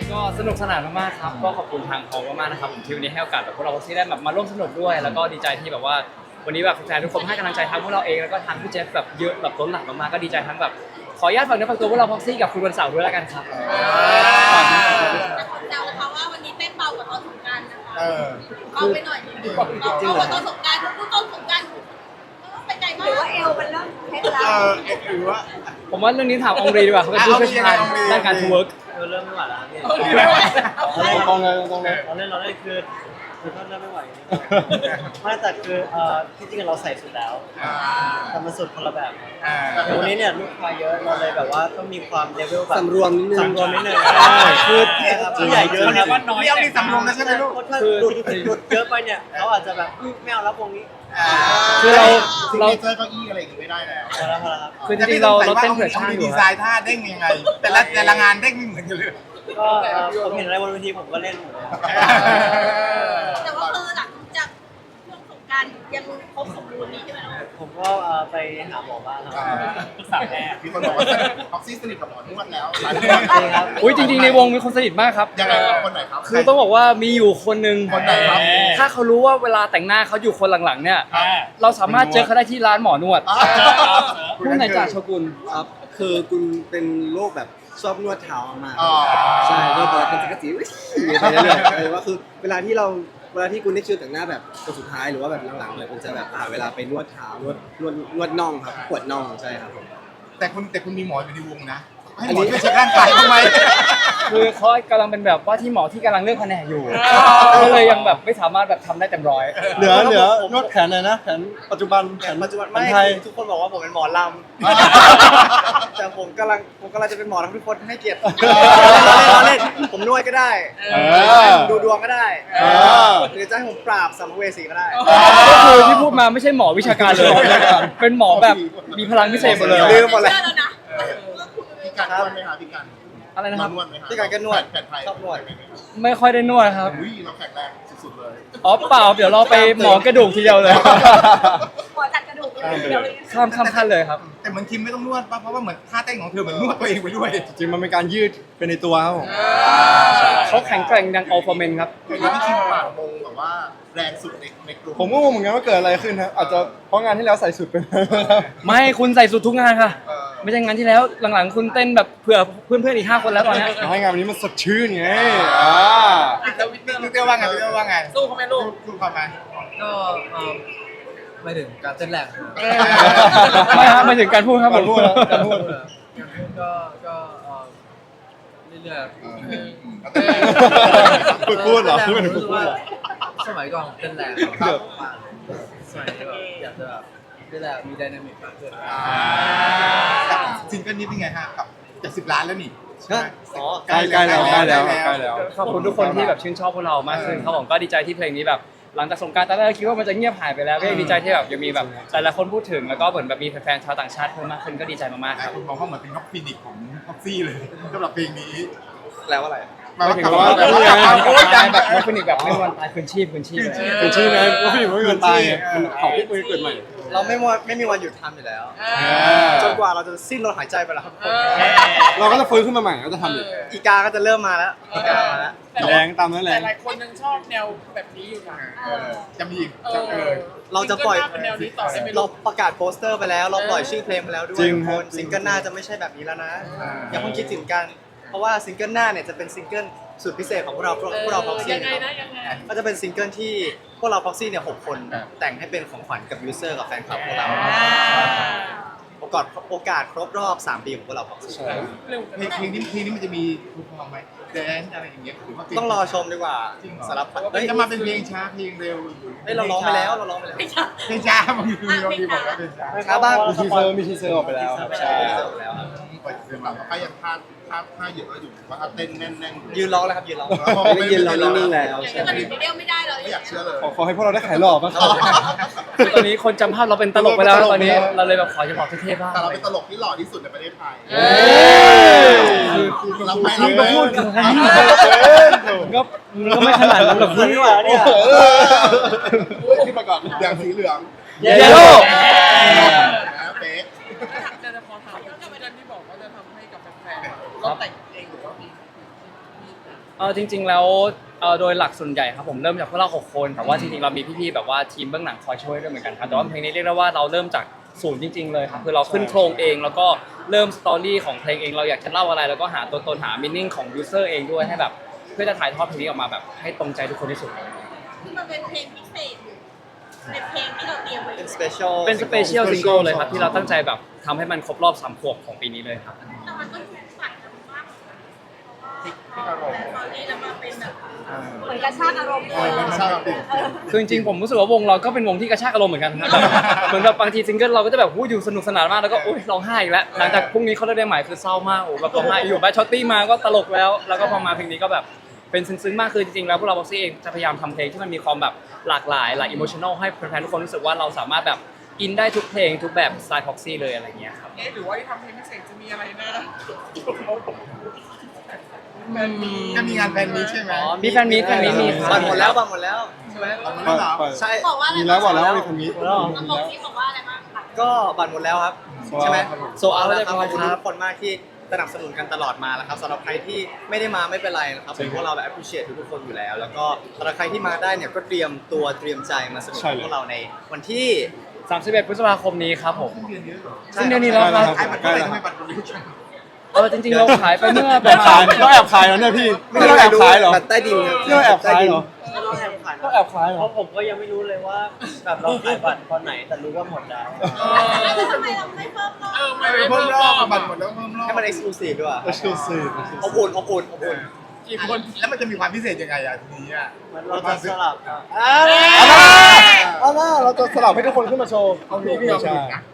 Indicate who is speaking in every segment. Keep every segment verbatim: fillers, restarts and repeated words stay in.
Speaker 1: ก็สนุกสนานมากๆครับก็ขอบคุณทางพอมากๆนะครับผมที่วันนี้ให้โอกาสแบบพวกเราที่ได้แบบมาร่วมสนุกด้วยแล้วก็ดีใจที่แบบว่าวันนี้แบบแฟนทุกคนให้กำลังใจทั้งพวกเราเองแล้วก็ทางพี่เจฟแบบเยอะแบบล้นหลามมากๆก็ดีใจทั้งแบบขออนุญาตฝากเนื้อฝากตัวพวกเราพ็อกซี่กับคุณวันเสาร์ด้วยแล้วกันครับ
Speaker 2: แต่ขอแซวนะคะว่าวันนี้เต้นเบากว่าตอนสงกรานต์นะคะเบาไปหน่อยนึงเบากว่าตอนสงกรานต์เพราะต้นสงกรานต์ไปไกลมากหรือว่าเอวมันเริ่มเพชรแล้ว
Speaker 3: หรือว่า
Speaker 1: ผมว่าเรื่องนี้ถามองรีดีกว่าเขาเป็นผู้เชี่ยวชาญด้านการทูเวิร์ก
Speaker 4: เริ่มไม่ไหวแล้วพี่
Speaker 3: ตรงเลยตรงเลย
Speaker 4: เราเล่นเราเล่นคือคือก็เริ่มไม่ไหวไม่แต่คือเอ่อที่จริงเราใส่สุดแล้วแต่มันสุดคนละแบบแต่วันนี้เนี่ยลูกค้าเยอะเราเลยแบบว่าต้องมีความเลเวลแบบ
Speaker 3: สำรวมนิดนึง
Speaker 4: สำรวมนิดนึงคือผู้ใหญ่เยอะครับ
Speaker 3: เรียกมีสำรวมนะใช่ไหมลูก
Speaker 4: ถ้าหลุดหลุดเยอะไปเนี่ยเขาอาจจะแบบไม่เอาแล้ววงนี้
Speaker 1: คือเรา
Speaker 3: เรา
Speaker 1: เรา
Speaker 3: เจอเก้าอี้อะไรอย่างงี้ไม่ได้แล้ว
Speaker 4: พอแล้วพอแล้วครับ
Speaker 1: คือจริงๆเราเราเต้นเผื่อช่างอ
Speaker 3: ดี
Speaker 1: ยู่
Speaker 3: ไซน์ท่าเด้งยังไง แต่ละแต่ละงานเด้งไม่เหมือนกันเลย
Speaker 4: ก็ผมเห็นอะไรบนเวทีผมก็เล่นหมดเลย
Speaker 2: แต่ว่าคือหลังจากช่วงสงกรานต์ยังครบสมบูรณ์นี้ใช่ไหมน้อง
Speaker 4: ผมก็ไปหาหมอบ้างครับปรึกษาแพทย์
Speaker 3: มีคนบอกว่าออกซิสนิทกับหมอนวดแล้ว
Speaker 1: อุ้ยจริงๆในวงมีคนสนิทมากครับ
Speaker 3: ยังไงครับคนไหนครับ
Speaker 1: คือต้องบอกว่ามีอยู่คนหนึ่ง
Speaker 3: คนไหนครับ
Speaker 1: ถ้าเขารู้ว่าเวลาแต่งหน้าเขาอยู่คนหลังๆเนี่ยเราสามารถเจอเขาได้ที่ร้านหมอนวดผู้ไหนจ่าโชกุน
Speaker 5: ครับ คือคุณเป็นโรคแบบชอบนวดเท้ามาก
Speaker 3: อ๋อ
Speaker 5: ใช่ก็แบบเป็นจักรจีไปเรื่อยๆเลยว่าคือเวลาที่เราเวลาที่คุณได้คิวแต่งหน้าแบบตัวสุดท้ายหรือว่าแบบหลังๆเลยคุณจะแบบอ่าเวลาไปนวดเท้านวดนวดนวดน่องครับปวดน่องใช่ครับผม
Speaker 3: แต่คุณแต่คุณมีหมออยู่ในวงนะให้หมอช่วยเช็คร่างกายทำไม
Speaker 1: คือเขากำลังเป็นแบบว่าที่หมอที่กำลังเลือกแผนกอยู่ก็เลยยังแบบไม่สามารถแบบทำได้เต็มร้อย
Speaker 6: เหลือเหลือนวดแขนเลยนะแขนปัจจุบันแขน
Speaker 4: ปัจจุบัน
Speaker 6: แข
Speaker 4: ไม่
Speaker 6: นไทย
Speaker 4: ทุกคนบอกว่าผมเป็นหมอลำ แต่ผมกำลังผมกำลังจะเป็นหมอทำทุกคนให้เกียรติเราเล่นผมนวดก็ได้
Speaker 6: เออ
Speaker 4: ดูดวงก็ได้
Speaker 6: เออ
Speaker 4: หรือจะให้ผมปราบสัมภเวสีก็ได้
Speaker 1: ก็คือที่พูดมาไม่ใช่หมอวิชาการเลย เป็นหมอแบบมีพลังพิเศษหมดเลย
Speaker 4: ลืมหมดเลย
Speaker 2: เชื่อแล้วนะ
Speaker 3: พี่การนวดไหมคะพี่การ
Speaker 1: อะไรนะครับ
Speaker 3: นวดไหมคะ
Speaker 4: พี่การก็นวด
Speaker 3: แผนไทย
Speaker 4: ชอบนวด
Speaker 1: ไม่ค่อยได้นวดครับ
Speaker 3: อุ้ยเราแข็งแรงสุดๆเลย
Speaker 1: อ๋อเปล่าเดี๋ยวเราไปหมอกระดูกทีเดียวเลย
Speaker 2: หมอจัดกระดูกเลยเดี๋ยวเลย
Speaker 1: ข้ามข้ามขั้นเลยครับ
Speaker 3: แต่เหมือนคิมไม่ต้องนวดป่ะเพราะว่าเหมือนท่าเต้นของเธอเหมือนนวดตัวเองไปด้วย
Speaker 6: จริงมันเป็นการยืดเป็นในตัวครับผม
Speaker 1: เขาแข็งแกร่งดังอัลฟาเมนครับ
Speaker 3: เห็นว่าพี่คิมปากมงแบบว่าแรงสุดในในกลุ่ม
Speaker 6: ผมก็งงเหมือนกันว่าเกิดอะไรขึ้นครับอาจจะเพราะงานที่แล้วใส่สุดไป
Speaker 1: ไม่คุณใส่สุดทุกงานค่ะ
Speaker 3: เออ
Speaker 1: ไม่ใช่งานที่แล้วหลังๆ คุณเต้นแบบเผื่อเพื่อนๆอีกห้าคนแล้วตอนเนี้ย
Speaker 6: ให้งานวันนี้มันสดชื่นไงอ่า
Speaker 3: แล้ววิเตอร์วิเตอร์ว่าไงวิเตอร์ว่าไงสู้เขาไหมลูกสู้เขาไหม
Speaker 7: ก็เอ่อไม่ถึงการเต้นแรง
Speaker 1: ไม่ครับไม่ถึงการพูดครับผม
Speaker 6: การพูดแล้วการพูด
Speaker 7: ก็ก็เอ่อเรื่อยๆ
Speaker 6: ฝึกพูดเหรอพูดเป็น
Speaker 7: รู้
Speaker 6: ฝึ
Speaker 7: สึ
Speaker 6: ก
Speaker 7: ก
Speaker 6: พูด
Speaker 7: ว่า
Speaker 6: เหรอ
Speaker 7: สมัยก่อนเต้นแรง
Speaker 6: ครับ
Speaker 7: สมัยนี้แบบอยากจะแบบเต้นแรงมีไดนามิกมากขึ้น
Speaker 3: ซิงเกิลนี้เป็นไงฮะกับจะสิบล้านแล้วนี่
Speaker 4: อ๋อ
Speaker 6: ใกล้ใกล้แล้วใกล้แล้วใกล้แล้ว
Speaker 1: ขอบคุณทุกคนที่แบบชื่นชอบพวกเรามากขึ้นครับผมก็ดีใจที่เพลงนี้แบบหลังจากสงกรานต์ตอนแรกคิดว่ามันจะเงียบหายไปแล้วก็ยังดีใจที่แบบยังมีแบบแต่ละคนพูดถึงแล้วก็เหมือนแบบมีแฟนๆชาวต่างชาติเพิ่มมากขึ้นก็ดีใจมากๆ
Speaker 3: ห
Speaker 1: ค
Speaker 3: ลาย
Speaker 1: รับ
Speaker 3: คนมองว่าเหมือนเป็นน็อกฟินิกของท็อกซี่เลยสำหรับเพลงนี้
Speaker 4: แล้วอะไร
Speaker 3: หมายว่า
Speaker 6: ถึง
Speaker 3: กลับ
Speaker 6: ว่า
Speaker 3: มาแบบ
Speaker 6: พูด
Speaker 3: ว่า
Speaker 6: ไง
Speaker 3: โอ้ยดัง
Speaker 1: แบบ
Speaker 3: แบบ
Speaker 1: นักฟินิกแบบไม่มีวันตายคืนชีพคืนชีพเลย
Speaker 6: เป็นชื่อไงว่าพี่ไม่มีวันตายไงมันของพี่เกิดใหม่
Speaker 4: เราไม่มีวันไม่มีวันหยุดทำอยู่แล้ว จนกว่าเราจะสิ้นลมหายใจไปแล้วครับ
Speaker 6: เราก็จะฟื้นขึ้นมาใหม่ก็จะทำอีก
Speaker 4: อีกาก็จะเริ่มมาแล้วอีกามาแล้ว
Speaker 6: แรงตามนั้นแร
Speaker 8: แต่
Speaker 6: ง
Speaker 8: หลายคนยังชอบแนวแบบนี้อยู่นะ
Speaker 3: เออจะมีอีก
Speaker 8: เอ
Speaker 3: จะเออ
Speaker 8: อ
Speaker 4: เราจะปล่อย
Speaker 8: ซิงเกิลหน้าเป็นแนวนี้ต่อได้ไหม
Speaker 4: เรา
Speaker 8: ลูก
Speaker 4: ประกาศโปสเตอร์ไปแล้ว เราปล่อยชื่อเพลงไปแล้วด้วย
Speaker 6: จริง
Speaker 4: ทุก
Speaker 6: ค
Speaker 4: ครับ นซิงเกิลหน้าจะไม่ใช่แบบนี้แล้วนะ อย่าเพิ่งคิดถึงกัน เพราะว่าซิงเกิลหน้าเนี่ยจะเป็นซิงเกิลสุดพิเศษของพวกเราพวกพวกเราพ็อกซี่
Speaker 8: ยังไงนะยังไง
Speaker 4: ก็จะเป็นซิงเกิลที่พวกเราพ็อกซี่เนี่ยหกคนแต่งให้เป็นของขวัญกับยูเซอร์กับแฟนคลับพวกเราโอกาสโอกาสครบรอบสามปีของพวกเราพ็อกซี่
Speaker 8: เร็ว
Speaker 3: เพลงเพลงนี้เพลงนี้มันจะมีทูพองไหมแดนอะไรอย่างเงี้ยหรือว่าเพล
Speaker 4: ต้องรอชมดีกว่า
Speaker 3: จริงเหรอ
Speaker 4: สารพัด
Speaker 3: เฮ้ยจะมาเป็นเพลงช้าเพลงเร็ว
Speaker 4: เฮ้ยเราร้องไปแล้วเราร้องไปแล้ว
Speaker 3: เพลงช้ามันคือเราดีบอกว่าเพลงช้า
Speaker 4: ช้าบ้าง
Speaker 6: มีทีเซอร์มีทีเซอร์ออกไปแล้วครับ
Speaker 4: ใช่
Speaker 6: ใช่
Speaker 4: เสร็จแล้วครับ
Speaker 3: ปล่อยเพลงแบบว่ายังพลาดพลาดพลาดเยอะอยู่ว่าถ้าเต้นแน่นๆ
Speaker 4: ยืนร้องแล้วครับยืนร้อง
Speaker 5: ไม่ยืนเรานิ่งๆแล้ว
Speaker 2: อย่างนี้มันเรียกไม่ได้เลย
Speaker 3: ไม่อยากเชื่อเลย
Speaker 6: ขอขอให้พวกเราได้ขายหล่อบ้างครับ
Speaker 1: ตอนนี้คนจำภาพเราเป็นตลกไปแล้วนะตอนนี้เราเลยแบบขอจะบอกเท่ๆบ้าง
Speaker 3: แต่เราเป็นตลกที่หล่อที่สุดในประเทศไทย
Speaker 1: เอ้ย
Speaker 3: คือเราไม่
Speaker 1: มึงก็พูดกันก็มึงก็ไม่ขนาดนั้นหรอกพี่
Speaker 4: ไม่ไหวแล้วเนี่ย
Speaker 3: ที่ประกอบอย่างสีเหลือง
Speaker 1: เยลโล่
Speaker 3: นะเป๊ะ
Speaker 8: จะจะขอถามเรื่องที่บอกว่าจะทำให้กับแฟนๆเราแต่งเองหรือว่ามีมี
Speaker 1: เออจริง ๆแล้วเออโดยหลักส่วนใหญ่ครับผมเริ่มจากพวกเราหกคนแต่ว่าจริงๆเรามีพี่ๆแบบว่าทีมเบื้องหลังคอยช่วยด้วยเหมือนกันครับแต่ว่าเพลงนี้เรียกได้ว่าเราเริ่มจากศูนย์จริงๆเลยครับคือเราขึ้นโครงเองแล้วก็เริ่มสตอรี่ของเพลงเองเราอยากจะเล่าอะไรแล้วก็หาตัวตนหามินนิ่งของยูเซอร์เองด้วยให้แบบเพื่อจะถ่ายทอดเพลงนี้ออกมาแบบให้ตรงใจทุกคนที่สุด
Speaker 2: ที่มันเป็นเพลงพิเศษเป็นเพลงที่เราเตรียมไว้
Speaker 4: เป็นสเปเชียล
Speaker 1: เป็นสเปเชียลซิงเกิลเลยครับที่เราตั้งใจแบบทำให้มันครบรอบสามขวบของปีนี้เลยครับ
Speaker 2: แต่มันก็ถูกฝันกันมากเพราะว่าตอนนี้เรามาเป็นแบบเหมือนกระชากอารมณ์
Speaker 3: เออมันชอบแบบ
Speaker 1: คือจริงๆผมรู้สึกว่าวงเราก็เป็นวงที่กระชากอารมณ์เหมือนกันแบบเหมือนแบบบางทีซิงเกิลเราก็จะแบบหูอยู่สนุกสนานมากแล้วก็อุ้ยร้องไห้อีกแล้วหลังจากพรุ่งนี้เขาเลิกได้ใหม่คือเศร้ามากโอ้แบบร้องไห้อยู่แบทช็อตตี้มาก็ตลกแล้วแล้วก็พอมาเพลงนี้ก็แบบเป็นซึ้งๆมากคือจริงๆแล้วพวกเราบ็อกซี่เองจะพยายามทำเพลงที่มันมีความแบบหลากหลายหลายอิโมชันอลให้แฟนๆทุกคนรู้สึกว่าเราสามารถแบบอินได้ทุกเพลงทุกแบบสไตล์พ็อกซี่เลยอะไรเงี้ยครับ
Speaker 8: เอ๊ะหรือว่าที่ทำเพลงพิเศษจะมีอะไรนะ
Speaker 3: จะมีงานแฟนมีใช่ไหม
Speaker 1: มีแฟนมีตแฟนมีตมีครับ
Speaker 4: บัตรหมดแล้วบัตรหมดแล้วใช่ไหม
Speaker 3: เอามาแล้วเหรอ
Speaker 4: ใช่
Speaker 2: บอกว่าอะไร
Speaker 6: มีแล้วบอกแล้วว่ามีคนนี้
Speaker 2: ระบบนี้บอกว่าอะไรบ้างคะ
Speaker 4: ก็บัตรหมดแล้วครับ
Speaker 6: Sold out
Speaker 4: ใช่ไหม
Speaker 6: ครับผม
Speaker 4: โซเอาแล้วครับขอบคุณทุกคนมากที่สนับสนุนกันตลอดมาแล้วครับสำหรับใครที่ไม่ได้มาไม่เป็นไรนะครับผมพวกเราแบบ appreciate ทุกๆคนอยู่แล้ว แล้วก็สำหรับใครที่มาได้เนี่ยก็เตรียมตัวเตรียมใจมาสนุก
Speaker 6: ใช่
Speaker 4: กับ
Speaker 6: เลย
Speaker 4: พวกเราในวันที่
Speaker 1: สามสิบเอ็ดพฤษภาคมนี้ครับผม
Speaker 4: ใช่
Speaker 1: ซึ่งเดือนนี้แล้วครับ
Speaker 3: ไอ้บัตรเท่าไหร่ทำไมบัตรมันไม่ใช่
Speaker 1: เออจริงๆเราขายไปเมื่อป
Speaker 6: แอ
Speaker 1: ระ
Speaker 6: บ
Speaker 1: มา
Speaker 6: ขาย
Speaker 1: ณ
Speaker 6: เราแอบขายแล้วเนี่ยพี่ไม่เราแอบขายเหรอ
Speaker 5: แบบใต้ดินครับ
Speaker 6: นี่เราแอบขายเหรอ
Speaker 4: เราแอบขาย
Speaker 6: เราแอบขายเหร
Speaker 4: เพ
Speaker 6: อ
Speaker 4: ราะผมก็ยังไม่รู้เลยว่าแบบเราขายบัตรตอนไหนแต่รู้ว่าหมดแล้ว
Speaker 2: แล้วทำไมเราไม่เพิ่มรอบ
Speaker 8: เออไม่
Speaker 3: เออ
Speaker 8: ไม่
Speaker 3: เพิ่
Speaker 8: เพิ่
Speaker 3: ม
Speaker 8: ม
Speaker 3: ร
Speaker 8: ร
Speaker 3: อ
Speaker 8: อ
Speaker 3: บบ บัตรหมดแล้วเพิ่มรอบ
Speaker 4: ให้มัน exclusive ด้วย
Speaker 6: exclusive
Speaker 4: อบอุ่นอบอุ่นอบอุ่น
Speaker 8: กี่คน
Speaker 3: แล้วมันจะมีความพิเศษยังไงอ่ะทีนี้อ่ะ
Speaker 4: มันเราจะสลับครับ
Speaker 6: เอาล่ะเราจะสลับให้ทุกคนขึ้นมาโชว์
Speaker 3: เอาพี่พี่เอา
Speaker 6: ใช่
Speaker 3: ผิดนะ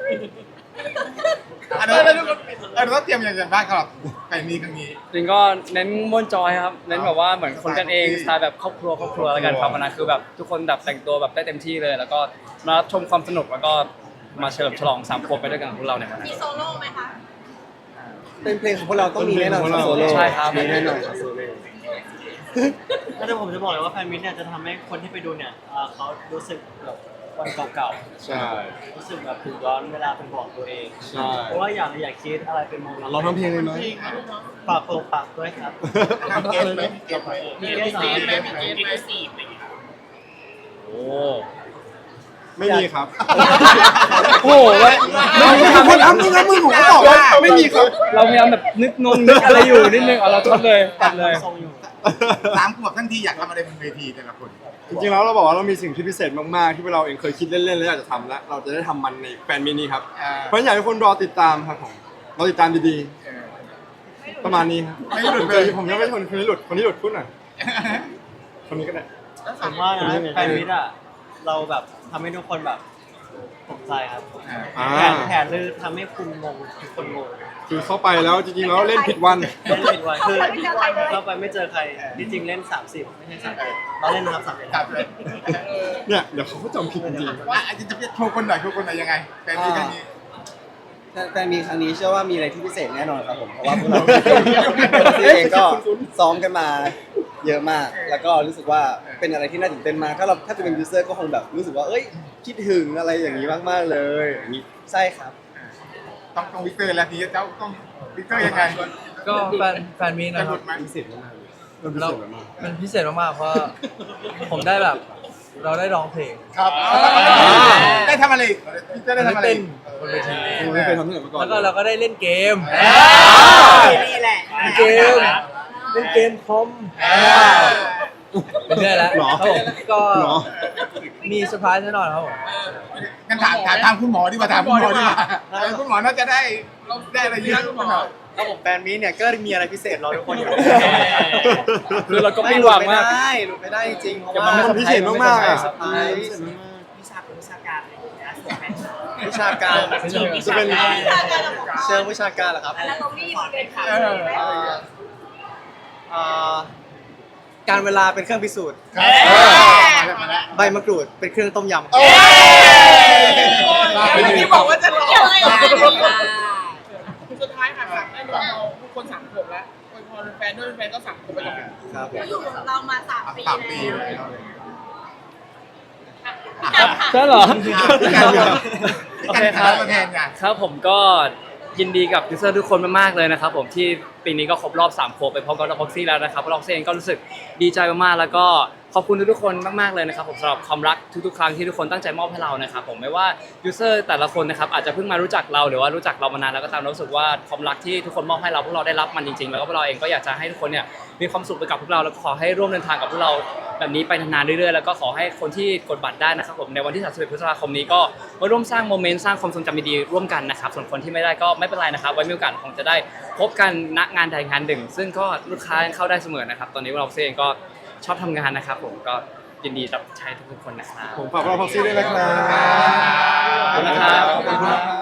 Speaker 3: อันนั้นเราต้องเตรียมอย่างไรบ้างครับแฟนมีครั้งนี้
Speaker 1: จริงก็เน้นม่วนจอยครับเน้นแบบว่าเหมือนคนกันเองสไตล์แบบครอบครัวครอบครัวแล้วกันครับวันนั้นคือแบบทุกคนแบบแต่งตัวแบบได้เต็มที่เลย แล้วก็มารับชมความสนุกแล้วก็มาเฉลิมฉลองสามขวบไปด้วยกันกับพวกเราในวันนั้น
Speaker 2: มีโซโล่ไหมคะ
Speaker 5: เป็นเพลงของพวกเราต้องมีแน่นอนครับโซโล่
Speaker 1: ใช่ครับ
Speaker 5: มีแน่นอนครับโซโล่
Speaker 4: แล้วแต่ผมจะบอกเลยว่าแฟนมิตเนี่ยจะทำให้คนที่ไปดูเนี่ยเอ่อเขารู้สึกแบบวันเก่า
Speaker 6: ใช่
Speaker 4: ๆ รู้สึกแบบถึงย้อนเวลาเป็นบอกตัวเอง
Speaker 6: ใช่
Speaker 4: เพราะว่าอยากอยากคิดอะไรเป็นโมเมนต์
Speaker 6: เราทำเพลงเลยไหม
Speaker 4: ฝากโปรฝากด้วยครับ
Speaker 3: ทำเกมไหมเกมไหม
Speaker 4: มีเกส
Speaker 8: มี
Speaker 4: มี
Speaker 8: เก
Speaker 4: เก
Speaker 8: ม
Speaker 4: ส
Speaker 8: ไหมมีเกมไหมสี่อะไรอย่างเงี้ย
Speaker 1: โอ้
Speaker 6: ไม่มีครับ
Speaker 1: โหแล้วไม่มีครับ
Speaker 3: คนทำนี่นะมึงผมก็บอกว่า
Speaker 6: ไม่มีครับ
Speaker 1: เราพยายามแบบนึกงงนึกอะไรอยู่นิดนึงเอาเราทดเลยตัดเลย
Speaker 4: ทรงอยู่
Speaker 3: สามขวบทั้งทีอยากทำอะไรบนเวทีแต่ละคน
Speaker 6: จริงๆแล้วเราบอกว่าเรามีสิ่งที่พิเศษมากๆ ที่เราเองเคยคิดเล่นๆแล้วอยากจะทำแล้วเราจะได้ทำมันในแฟนมินิครับ
Speaker 3: อ่า
Speaker 6: เพราะฉะนั้นอยากให้ทุกคนรอติดตามครับผมรอติดตามดีๆ ประมาณนี้ครับ
Speaker 3: ไม่หลุดเลย
Speaker 6: ผมยังไม่คนคนนี้หลุดคนนี้หลุดพูดหน่อยคนนี้ก็ได้
Speaker 4: ผมว่านะแฟนมิตอ่ะเราแบบทำให้ทุกคนแบบตกใจครับ
Speaker 6: อ่า
Speaker 4: แผนแผนเลยทำให้คุณงงทุกคนงง
Speaker 6: คือเข้าไปแล้วจริงๆแล้วเล่นผิดวัน
Speaker 4: เล่นผิดวันคือเราไปไม่เจอใครที่จริงเล่นสามสิบไม่ใช่สามสิบเราเล่นนะครับสามสิบ
Speaker 3: ครับเลย
Speaker 6: เนี่ยเดี๋ยวเขาก็จำผิดจริง
Speaker 3: ว่าอาจจะจะโชว์คนหน่อยโชว์คนหน่อยยังไงแฟนมีครั้งนี้
Speaker 5: แต่มีครั้งนี้เชื่อว่ามีอะไรที่พิเศษแน่นอนครับผมเพราะว่าพวกเราเองก็ซ้อมกันมาเยอะมาก แล้วก็รู้สึกว่าเป็นอะไรที่น่าตื่นเต้นมากถ้าเราถ้าจะเป็นยูเซอร์ก็คงแบบรู้สึกว่าเอ้ยคิดถึงอะไรอย่างนี้มากๆเลยอย่างนี้ใช่ครับ
Speaker 3: ต้องต้องวิกเตอร์แล้วทีเจ้าต้องวิกเตอร์ยังไง
Speaker 7: ก็แฟนแฟนมี
Speaker 3: จะ
Speaker 7: นะ
Speaker 3: ห
Speaker 7: ค
Speaker 3: ลุ
Speaker 7: รับ
Speaker 3: ดไหม
Speaker 6: ๆพิเศษมากๆเลยมันพิเศษมาก
Speaker 7: มันพิเศษมากๆเพราะผมได้แบบเราได้ร้องเพลง
Speaker 3: ครับได้ทำอะไรวิกเตอร์ได้ทำอะไร
Speaker 7: เต้นบนเวที
Speaker 6: ๆผมไม่เคยทำที่ไหนมาก่อน
Speaker 7: แล้วก็เราก็ได้เล่นเกม
Speaker 4: นี่แหละ
Speaker 7: เล่นเกมเล่นเกมคอมเป็นเรื่อยแล้ว
Speaker 6: หรอ
Speaker 7: ครับผมก็
Speaker 6: หรอ
Speaker 7: มีเซอร์ไพรส์แน่นอนครับผม
Speaker 3: งั้นถามถามถามคุณหมอดีกว่าถามคุณหมอดีกว่าคุณหมอน่าจะได้ได้อะไรเยอะคุณหมอ
Speaker 4: ครับผมแฟนมิตเนี่ยก็มีอะไรพิเศษรอทุกคนอยู่
Speaker 1: คือเราก็ไม่หวังมาก
Speaker 4: ไม่ได้หลุดไม่ได้จริงๆเพราะ
Speaker 6: มัน
Speaker 4: ว่า
Speaker 6: มันพิเศษมากๆอ่ะ
Speaker 4: เซอร์ไพรส์
Speaker 6: พิเศษมาก
Speaker 4: วิชาวิชาการวิชาการ
Speaker 6: จะเป็น
Speaker 2: วิชาการเราบอกว่า
Speaker 4: เชิงวิชาการเหรอครับ
Speaker 2: แล้วเราไม่อยู่เป็นค่ะ
Speaker 3: เออ
Speaker 4: เอ่อเอ่อการเวลาเป็นเครื่องพิสูจน์
Speaker 3: มาแล้ว
Speaker 4: ใบมะกรูดเป็นเครื่องต้มยำ
Speaker 8: ที่บอกว่าจะรอ
Speaker 2: เกี่ยวอะไรกับการนี้ล่ะ
Speaker 8: สุดท้ายค่ะฝากแน่นอนเราทุกคนสามขวบแล้วอวยพรแฟนด้วยแฟนก็สามขวบไปกับ
Speaker 4: ครับผม
Speaker 2: เราอยู่กับเรามาสามปี
Speaker 3: สามปี
Speaker 2: แล้ว
Speaker 3: เลย
Speaker 1: ใช่เหรอ
Speaker 3: พี่การเหรอ
Speaker 1: โอเคครับ
Speaker 3: ตัวแทนไง
Speaker 1: ครับผมก็ยินดีกับยูเซอร์ทุกคนมากๆเลยนะครับผมที่ปีนี้ก็ครบรอบสามขวบไปพร้อมกับล็อกซี่แล้วนะครับล็อกซี่เองก็รู้สึกดีใจมากๆแล้วก็ขอบคุณทุกๆคนมากๆเลยนะครับผมสำหรับความรักทุกๆครั้งที่ทุกคนตั้งใจมอบให้เรานะครับผมไม่ว่ายูเซอร์แต่ละคนนะครับอาจจะเพิ่งมารู้จักเราหรือว่ารู้จักเรามานานแล้วก็ตามรู้สึกว่าความรักที่ทุกคนมอบให้เราพวกเราได้รับมันจริงๆแล้วก็พวกเราเองก็อยากจะให้ทุกคนเนี่ยมีความสุขไปกับพวกเราแล้วก็ขอให้ร่วมเดินทางกับพวกเราแบบนี้ไปนานๆเรื่อยๆแล้วก็ขอให้คนที่กดบัตรได้นะครับผมในวันที่สามสิบเอ็ดพฤษภาคมนี้ก็มาร่วมสร้างโมเมนต์สร้างความทรงจำดีๆร่วมกันนะครับส่วนคนที่ไม่ได้ก็ไม่เป็นไรนะครับไว้มีโอกาสคงจะได้พบกันณงานใดงานหนึ่งซึ่งก็ลูกค้าเข้าได้เสมอนะครับตอนนี้เราเองก็ชอบทำงานนะครับผมก็ยินดีรับใช้ทุกๆคนนะครับ
Speaker 6: ผมฝากเราพ็อกซี่ด้วยนะครับ
Speaker 1: ขอบคุณนะครับ
Speaker 6: ขอบคุณครับ